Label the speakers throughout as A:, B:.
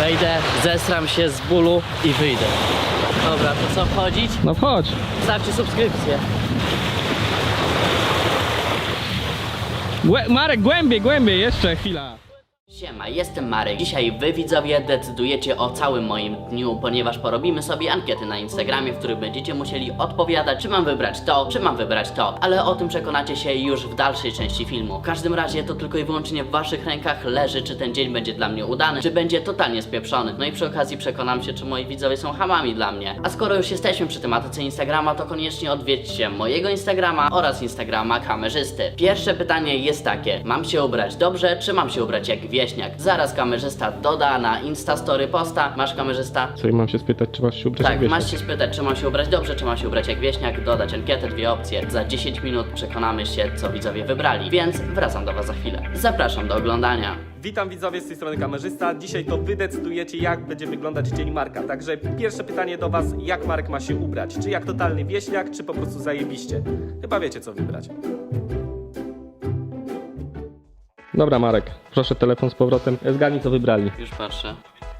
A: Wejdę, zesram się z bólu i wyjdę. Dobra, to co, wchodzić?
B: No wchodź.
A: Stawcie subskrypcję.
B: Marek, głębiej, jeszcze chwila.
A: Siema, jestem Marek. Dzisiaj wy widzowie decydujecie o całym moim dniu, ponieważ porobimy sobie ankiety na Instagramie, w których będziecie musieli odpowiadać, czy mam wybrać to, czy mam wybrać to. Ale o tym przekonacie się już w dalszej części filmu. W każdym razie to tylko i wyłącznie w waszych rękach leży, czy ten dzień będzie dla mnie udany, czy będzie totalnie spieprzony. No i przy okazji przekonam się, czy moi widzowie są hamami dla mnie. A skoro już jesteśmy przy tematyce Instagrama, to koniecznie odwiedźcie mojego Instagrama oraz Instagrama kamerzysty. Pierwsze pytanie jest takie: mam się ubrać dobrze, czy mam się ubrać jak wieśniak? Zaraz kamerzysta doda na Instastory posta. Masz, kamerzysta?
B: Co, i mam się spytać, czy masz się ubrać jak
A: Tak,
B: wieśniak?
A: masz się spytać, czy mam się ubrać dobrze, czy mam się ubrać jak wieśniak, dodać ankietę, dwie opcje. Za 10 minut przekonamy się, co widzowie wybrali, więc wracam do was za chwilę. Zapraszam do oglądania.
C: Witam widzowie, z tej strony kamerzysta. Dzisiaj to wy decydujecie, jak będzie wyglądać dzień Marka. Także pierwsze pytanie do was: jak Marek ma się ubrać? Czy jak totalny wieśniak, czy po prostu zajebiście? Chyba wiecie, co wybrać.
B: Dobra, Marek, proszę telefon z powrotem. Zgadnij, co wybrali.
A: Już patrzę.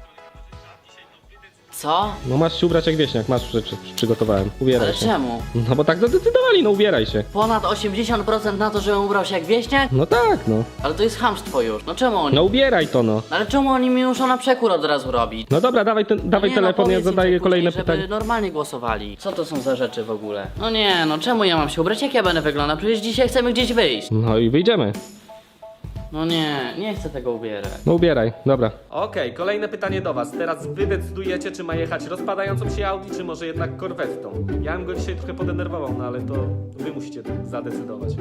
A: Co?
B: No masz się ubrać jak wieśniak, masz rzeczy, przygotowałem. Ubieraj
A: Ale
B: się.
A: czemu?
B: No bo tak zadecydowali, no ubieraj się.
A: Ponad 80% na to, żebym ubrał się jak wieśniak?
B: No tak, no.
A: Ale to jest chamstwo już. No czemu oni?
B: No ubieraj to, no.
A: Ale czemu oni mi muszą na przekór od razu robić?
B: No dobra, dawaj
A: Nie,
B: telefon, ja
A: powiedz im
B: zadaję
A: później,
B: kolejne
A: żeby
B: pytanie.
A: normalnie głosowali. Co to są za rzeczy w ogóle? No nie, no czemu ja mam się ubrać? Jak ja będę wyglądał? Przecież dzisiaj chcemy gdzieś wyjść.
B: No i wyjdziemy.
A: No nie, nie chcę tego ubierać.
B: No ubieraj, dobra.
C: Okej, kolejne pytanie do was. Teraz wy decydujecie, czy ma jechać rozpadającą się Audi, czy może jednak korwettą. Ja bym go dzisiaj trochę podenerwował, no ale to wy musicie zadecydować.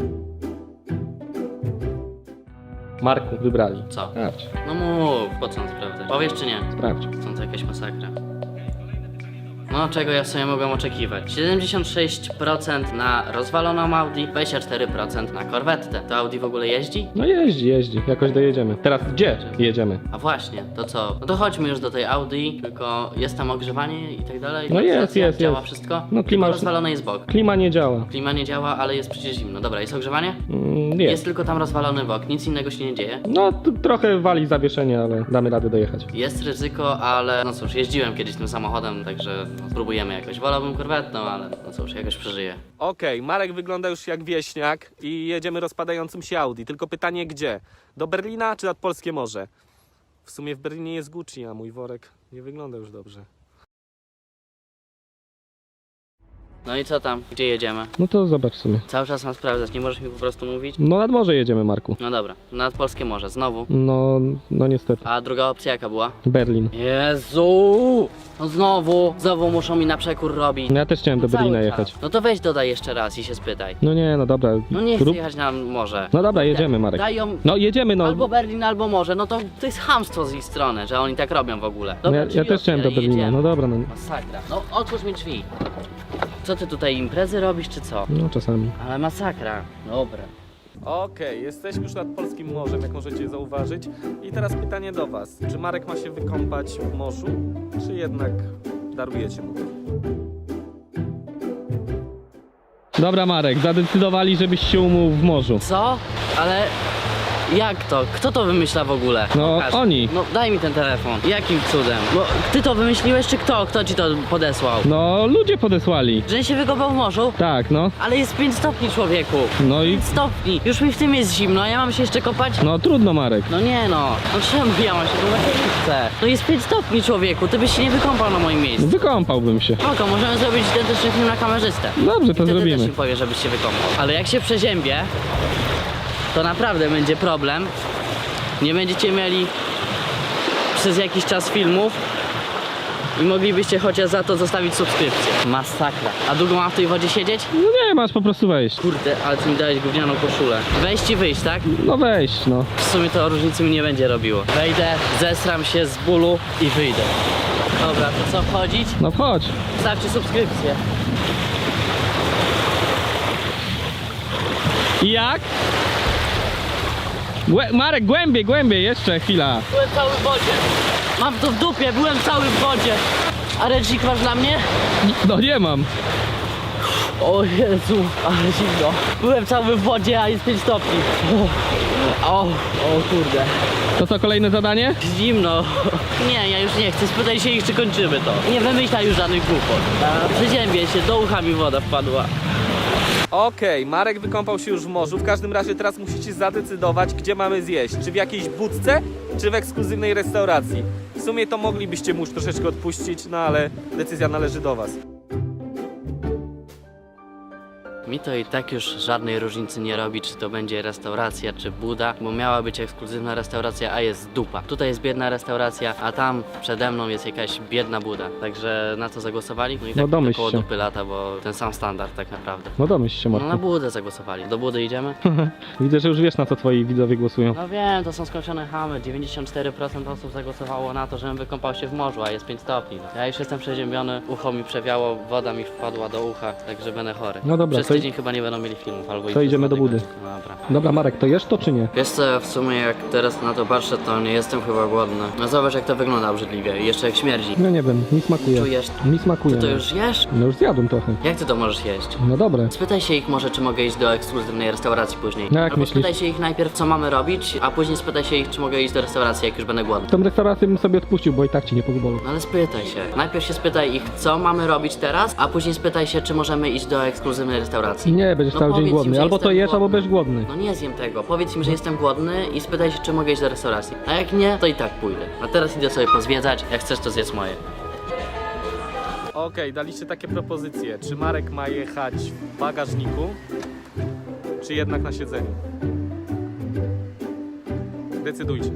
B: Marku, wybrali.
A: Co?
B: Sprawdź,
A: No mów, po co on sprawdzać? Powiesz czy nie?
B: sprawdź.
A: Są to jakaś masakra. No, czego ja sobie mogłem oczekiwać? 76% na rozwaloną Audi, 24% na korwettę. To Audi w ogóle jeździ?
B: No jeździ, jakoś dojedziemy. Teraz gdzie jedziemy?
A: A właśnie, to co? No to chodźmy już do tej Audi, tylko jest tam ogrzewanie i tak dalej?
B: No jest,
A: Klimatyzacja,
B: jest,
A: działa
B: jest.
A: wszystko?
B: No klima
A: Tylko
B: już-
A: rozwalone jest bok.
B: Klima nie działa.
A: Klima nie działa, ale jest przecież zimno. Dobra, jest ogrzewanie?
B: Nie.
A: Jest tylko tam rozwalony bok, nic innego się nie dzieje.
B: No trochę wali zawieszenie, ale damy radę dojechać.
A: Jest ryzyko, ale no cóż, jeździłem kiedyś tym samochodem, także no, spróbujemy jakoś. Wolałbym korwetną, ale no cóż, jakoś przeżyję.
C: Okej, Marek wygląda już jak wieśniak i jedziemy rozpadającym się Audi. Tylko pytanie gdzie? Do Berlina czy nad Polskie Morze? W sumie w Berlinie jest Gucci, a mój worek nie wygląda już dobrze.
A: No i co tam? Gdzie jedziemy?
B: No to zobacz sobie.
A: Cały czas mam sprawdzać, nie możesz mi po prostu mówić?
B: No nad morze jedziemy, Marku.
A: No dobra, nad Polskie Morze, znowu.
B: No niestety.
A: A druga opcja jaka była?
B: Berlin.
A: Jezu! No znowu muszą mi na przekór robić.
B: No ja też chciałem do
A: Cały
B: Berlina
A: czas.
B: jechać.
A: No to weź dodaj jeszcze raz i się spytaj.
B: No nie, no dobra.
A: No nie chcę
B: Rób-
A: jechać na morze.
B: No dobra, jedziemy, Marek.
A: Dają
B: No jedziemy, no.
A: albo Berlin, albo morze. No to jest chamstwo z ich strony, że oni tak robią w ogóle.
B: No
A: Dobra,
B: ja
A: drzwi
B: też chciałem do
A: otwieraj,
B: Berlina.
A: jedziemy.
B: No dobra, no.
A: Masakra. No otwórz mi drzwi. Co ty tutaj imprezy robisz, czy co?
B: No czasami.
A: Ale masakra. Dobra.
C: Okej, jesteśmy już nad Polskim Morzem, jak możecie zauważyć. I teraz pytanie do was. Czy Marek ma się wykąpać w morzu, czy jednak darujecie mu to?
B: Dobra, Marek, zadecydowali, żebyś się umył w morzu.
A: Co? Ale jak to? Kto to wymyśla w ogóle?
B: No,
A: Pokaż.
B: oni.
A: No daj mi ten telefon. Jakim cudem? No ty to wymyśliłeś, czy kto? Kto ci to podesłał?
B: No ludzie podesłali.
A: Że się wykopał w morzu?
B: Tak, no.
A: Ale jest 5 stopni, człowieku.
B: No i
A: 5 stopni. Już mi w tym jest zimno, a ja mam się jeszcze kopać?
B: no trudno, Marek.
A: No nie no. No czemu ja mam się kąpać? Ja nie chcę. No jest 5 stopni, człowieku. Ty byś się nie wykąpał na moim miejscu.
B: Wykąpałbym się.
A: Spoko, możemy zrobić identyczny film na kamerzystę.
B: Dobrze, to
A: Wtedy też
B: zrobimy.
A: mi powie, żebyś się wykąpał. Ale jak się przeziębię, to naprawdę będzie problem. Nie będziecie mieli przez jakiś czas filmów i moglibyście chociaż za to zostawić subskrypcję. Masakra. A długo mam w tej wodzie siedzieć?
B: No nie, masz po prostu wejść.
A: Kurde, ale ty mi dałeś gównianą koszulę. Wejść i wyjść, tak?
B: No wejść, no.
A: W sumie to różnicy mi nie będzie robiło. Wejdę, zesram się z bólu i wyjdę. Dobra, to co, wchodzić?
B: No wchodź.
A: Stawcie subskrypcję.
B: I jak? Marek, głębiej, jeszcze chwila.
A: Byłem cały w wodzie. Mam to w dupie, byłem cały w wodzie. A ręcznik masz dla mnie?
B: No nie mam.
A: O Jezu, ale zimno. Byłem cały w wodzie, a jest 5 stopni. O kurde.
B: To co, kolejne zadanie?
A: Zimno. Nie, ja już nie chcę. Spytaj się ich, czy kończymy to. Nie wymyślaj już żadnych głupot. Przeziębię się, do ucha mi woda wpadła.
C: Okej, Marek wykąpał się już w morzu. W każdym razie teraz musicie zadecydować, gdzie mamy zjeść. Czy w jakiejś budce, czy w ekskluzywnej restauracji. W sumie to moglibyście mu już troszeczkę odpuścić, no ale decyzja należy do was.
A: Mi to i tak już żadnej różnicy nie robi, czy to będzie restauracja, czy buda, bo miała być ekskluzywna restauracja, a jest dupa. Tutaj jest biedna restauracja, a tam przede mną jest jakaś biedna buda. Także na co zagłosowali? No i tak
B: No domyśl
A: koło
B: się.
A: dupy lata, bo ten sam standard tak naprawdę.
B: No domyśl się,
A: No na
B: Marku.
A: budę zagłosowali. Do budy idziemy?
B: Widzę, że już wiesz, na co twoi widzowie głosują.
A: No wiem, to są skończone chamy. 94% osób zagłosowało na to, żebym wykąpał się w morzu, a jest 5 stopni. No. Ja już jestem przeziębiony, ucho mi przewiało, woda mi wpadła do ucha, także będę chory.
B: No dobra,
A: Przez
B: to
A: tydzień chyba nie będą mieli filmów, albo i
B: to
A: przez
B: idziemy do
A: 2
B: budy.
A: tygodnie. Dobra.
B: Dobra, Marek, to jesz to czy nie?
A: Wiesz co, w sumie jak teraz na to patrzę, to nie jestem chyba głodny. No zobacz jak to wygląda obrzydliwie i jeszcze jak śmierdzi.
B: No nie wiem, mi smakuje.
A: Czujesz?
B: Mi smakuje.
A: Ty to
B: no.
A: już jesz?
B: No już zjadłem trochę.
A: Jak ty to możesz jeść?
B: No dobre.
A: Spytaj się ich może, czy mogę iść do ekskluzywnej restauracji później.
B: No jak
A: Albo
B: myślisz?
A: spytaj się ich najpierw, co mamy robić, a później spytaj się ich, czy mogę iść do restauracji, jak już będę głodny.
B: Tą restaurację bym sobie odpuścił, bo i tak ci nie pozwolę.
A: No ale spytaj się. Najpierw się spytaj ich, co mamy robić teraz, a później spytaj się, czy możemy iść do ekskluzywnej restauracji.
B: Nie, będziesz
A: No
B: cały dzień
A: powiedz im,
B: głodny.
A: że
B: Albo to
A: jestem
B: jesz, albo
A: głodny.
B: będziesz głodny.
A: No nie zjem tego. Powiedz im, że jestem głodny i spytaj się, czy mogę iść do restauracji. A jak nie, to i tak pójdę. A teraz idę sobie pozwiedzać. Jak chcesz, to zjedz moje.
C: Okej, daliście takie propozycje. Czy Marek ma jechać w bagażniku, czy jednak na siedzeniu? Decydujcie.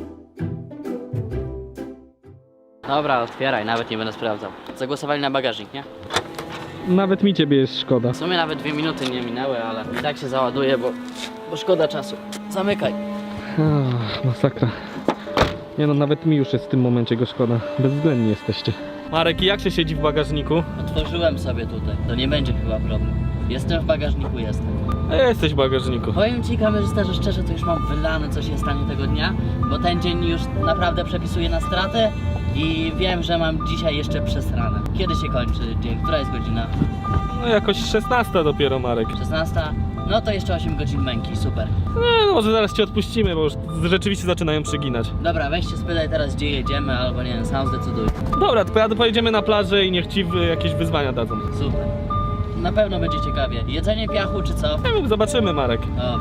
A: Dobra, otwieraj, nawet nie będę sprawdzał. Zagłosowali na bagażnik, nie?
B: Nawet mi ciebie jest szkoda.
A: W sumie nawet 2 minuty nie minęły, ale i tak się załaduje, bo szkoda czasu. Zamykaj.
B: Masakra. Nie no, nawet mi już jest w tym momencie go szkoda. Bezwzględni jesteście.
C: Marek, jak się siedzi w bagażniku?
A: Otworzyłem sobie tutaj. To nie będzie chyba problem. Jestem w bagażniku, jestem.
C: A jesteś w bagażniku.
A: Powiem ci, kamerzysta, że szczerze to już mam wylane, co się stanie tego dnia, bo ten dzień już naprawdę przepisuje na stratę i wiem, że mam dzisiaj jeszcze przesrane. Kiedy się kończy dzień? Która jest godzina?
C: No jakoś 16 dopiero, Marek.
A: 16? No to jeszcze 8 godzin męki, super.
C: Nie, no może zaraz cię odpuścimy, bo już rzeczywiście zaczynają przyginać.
A: Dobra, weź się spytaj teraz, gdzie jedziemy, albo nie wiem, sam zdecyduj.
C: Dobra, to pojedziemy na plażę i niech ci jakieś wyzwania dadzą.
A: Super. Na pewno będzie ciekawie. Jedzenie piachu czy co?
C: Nie wiem, zobaczymy, Marek.
A: Dobra.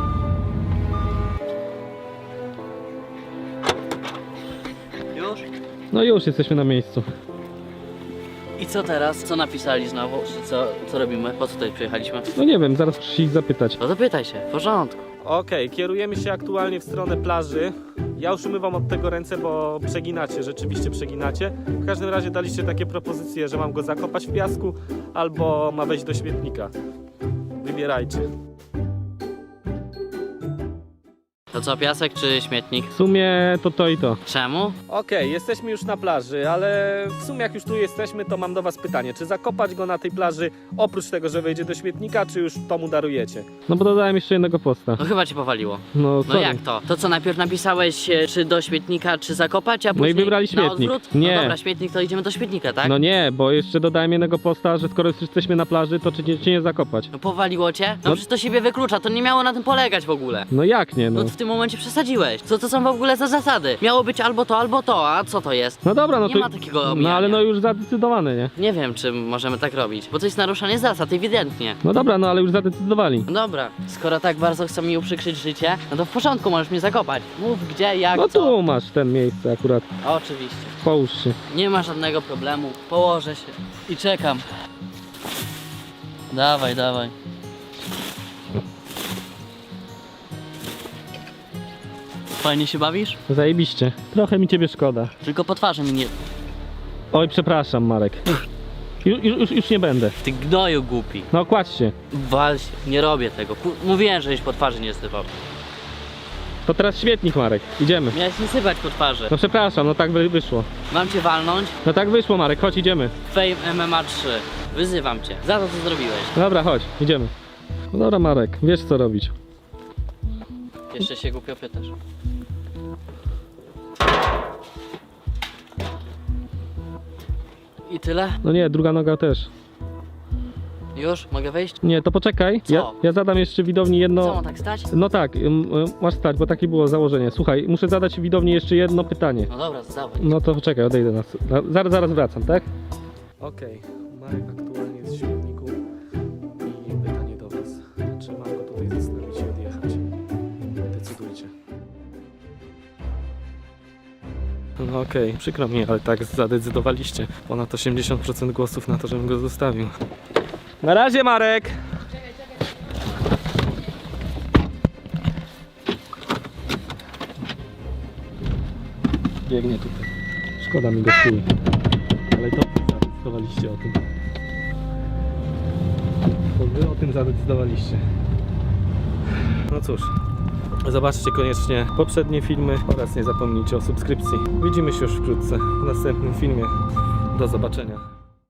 A: Już?
B: No już jesteśmy na miejscu.
A: I co teraz? Co napisali znowu? Czy co robimy? Po co tutaj przyjechaliśmy?
B: No nie wiem, zaraz muszę ich zapytać.
A: No zapytaj się, w porządku.
C: Okej, kierujemy się aktualnie w stronę plaży. Ja już umywam od tego ręce, bo przeginacie, rzeczywiście przeginacie. W każdym razie daliście takie propozycje, że mam go zakopać w piasku, albo ma wejść do śmietnika. Wybierajcie.
A: To co, piasek czy śmietnik?
B: W sumie to i to.
A: Czemu?
C: Okej, jesteśmy już na plaży, ale w sumie jak już tu jesteśmy, to mam do was pytanie. Czy zakopać go na tej plaży, oprócz tego, że wejdzie do śmietnika, czy już to mu darujecie?
B: No bo dodałem jeszcze jednego posta.
A: No chyba cię powaliło.
B: No
A: No
B: sorry.
A: jak to? To co, najpierw napisałeś czy do śmietnika, czy zakopać, a
B: No i
A: później
B: wybrali
A: na
B: śmietnik.
A: odwrót?
B: Nie.
A: No dobra, śmietnik, to idziemy do śmietnika, tak?
B: No nie, bo jeszcze dodałem jednego posta, że skoro już jesteśmy na plaży, to czy nie zakopać?
A: No powaliło cię? No
B: No.
A: przecież to siebie wyklucza, to nie miało na tym polegać w ogóle.
B: No jak nie, no.
A: No w tym momencie przesadziłeś. Co to są w ogóle za zasady? Miało być albo to, a co to jest?
B: No dobra, no
A: Nie
B: to...
A: ma takiego
B: No
A: omijania.
B: ale no już zadecydowane, nie?
A: Nie wiem, czy możemy tak robić, bo to jest naruszanie zasad, ewidentnie.
B: No dobra, no ale już zadecydowali.
A: No dobra, skoro tak bardzo chcą mi uprzykrzyć życie, no to w porządku, możesz mnie zakopać. Mów gdzie, jak,
B: No
A: co.
B: tu masz ten miejsce akurat.
A: Oczywiście.
B: Połóż się.
A: Nie ma żadnego problemu. Położę się i czekam. Dawaj, dawaj. Fajnie się bawisz?
B: Zajebiście. Trochę mi ciebie szkoda.
A: Tylko po twarzy mi nie...
B: Oj, przepraszam, Marek. Już nie będę.
A: Ty gnoju głupi.
B: No kładź się.
A: Wal się. Nie robię tego. Mówiłem, żeś po twarzy nie sypał.
B: To teraz śmietnik, Marek. Idziemy.
A: Miałeś nie sypać po twarzy.
B: No przepraszam, no tak wyszło.
A: Mam cię walnąć?
B: No tak wyszło, Marek, chodź, idziemy.
A: Fame MMA 3. Wyzywam cię. Za to, co zrobiłeś.
B: Dobra, chodź, idziemy. No dobra, Marek, wiesz co robić.
A: Jeszcze się głupio pytasz. I tyle?
B: No nie, druga noga też.
A: Już? Mogę wyjść?
B: Nie, to poczekaj.
A: Co?
B: Ja zadam jeszcze widowni
A: Co,
B: jedno...
A: mam tak stać?
B: No tak, masz stać, bo takie było założenie. Słuchaj, muszę zadać widowni jeszcze jedno pytanie.
A: No dobra, zdawaj.
B: No to poczekaj, odejdę zaraz wracam, tak?
C: Okej, Marek aktualnie jest w śmietniku i pytanie do was. Czy mam go tutaj zostawić i odjechać? Decydujcie. No okej, przykro mi, ale tak zadecydowaliście. Ponad 80% głosów na to, żebym go zostawił. Na razie, Marek! Biegnie tutaj.
B: Szkoda mi go chuj.
C: Ale to wy zadecydowaliście o tym. To wy o tym zadecydowaliście. No cóż, zobaczcie koniecznie poprzednie filmy oraz nie zapomnijcie o subskrypcji. Widzimy się już wkrótce w następnym filmie. Do zobaczenia.